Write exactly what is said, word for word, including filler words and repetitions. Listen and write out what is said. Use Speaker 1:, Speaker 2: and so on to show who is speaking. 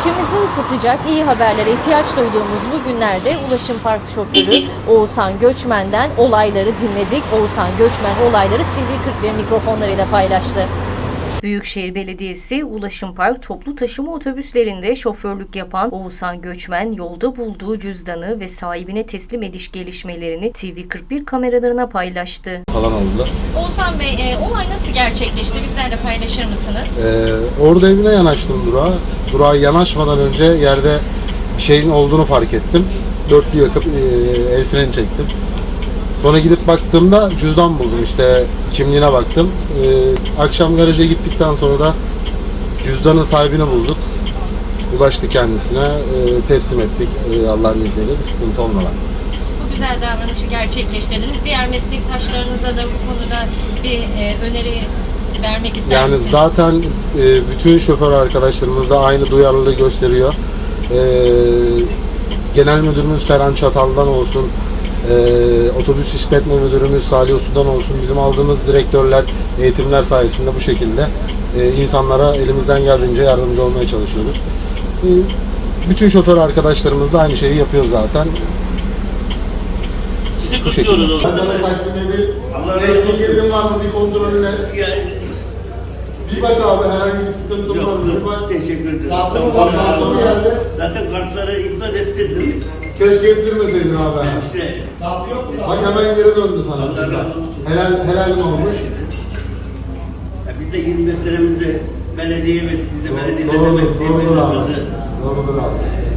Speaker 1: İçimizi ısıtacak iyi haberlere ihtiyaç duyduğumuz bu günlerde Ulaşım Park şoförü Oğuzhan Göçmen'den olayları dinledik. Oğuzhan Göçmen olayları T V kırk bir mikrofonlarıyla paylaştı. Büyükşehir Belediyesi Ulaşım Park toplu taşıma otobüslerinde şoförlük yapan Oğuzhan Göçmen yolda bulduğu cüzdanı ve sahibine teslim ediş gelişmelerini T V kırk bir kameralarına paylaştı.
Speaker 2: Falan oldular.
Speaker 1: Oğuzhan Bey, e, olay nasıl gerçekleşti? Bizlerle paylaşır mısınız?
Speaker 2: Ee, orada evine yanaştım durağa. Durağa yanaşmadan önce yerde bir şeyin olduğunu fark ettim. Dörtlü yakıp e, el freni çektim. Sonra gidip baktığımda cüzdan buldum, işte kimliğine baktım. Ee, akşam garaja gittikten sonra da cüzdanın sahibini bulduk. Ulaştı kendisine, e, teslim ettik e, Allah'ın izniyle, bir sıkıntı olmadan.
Speaker 1: Bu güzel davranışı gerçekleştirdiniz. Diğer meslektaşlarınızla da bu konuda bir e, öneri vermek ister
Speaker 2: Yani
Speaker 1: misiniz?
Speaker 2: zaten e, bütün şoför arkadaşlarımız da aynı duyarlılığı gösteriyor. E, Genel Müdürümüz Seren Çatal'dan olsun, e, Otobüs İşletme Müdürümüz Salih Usu'dan olsun, bizim aldığımız direktörler, eğitimler sayesinde bu şekilde e, insanlara elimizden geldiğince yardımcı olmaya çalışıyoruz. E, bütün şoför arkadaşlarımız da aynı şeyi yapıyor zaten.
Speaker 3: Sizi kutluyoruz o zaman.
Speaker 2: Sana takvimde bir
Speaker 3: Allah razı
Speaker 2: eksik
Speaker 3: olsun.
Speaker 2: yerin var mı, bir kontrolünle.
Speaker 3: Yani,
Speaker 2: Bir bak abi, herhangi bir sıkıntı var mı? Bir
Speaker 3: yok,
Speaker 2: bak.
Speaker 3: teşekkür ederim.
Speaker 2: Zaten
Speaker 3: Allah
Speaker 2: bak,
Speaker 3: razı
Speaker 2: lazım
Speaker 3: olsun.
Speaker 2: geldi.
Speaker 3: Zaten kartları iptal ettirdim.
Speaker 2: Keşke ettirmeseydin abi.
Speaker 3: Ben işte
Speaker 2: Bak hemen geri döndü sana.
Speaker 3: Allah razı olsun.
Speaker 2: Helal, helal mi olmuş?
Speaker 3: Ya biz de yirmi beş senemizde belediye ve biz de belediye
Speaker 2: Doğrudur, doğrudur abi.
Speaker 3: belediye
Speaker 2: Doğrudur abi.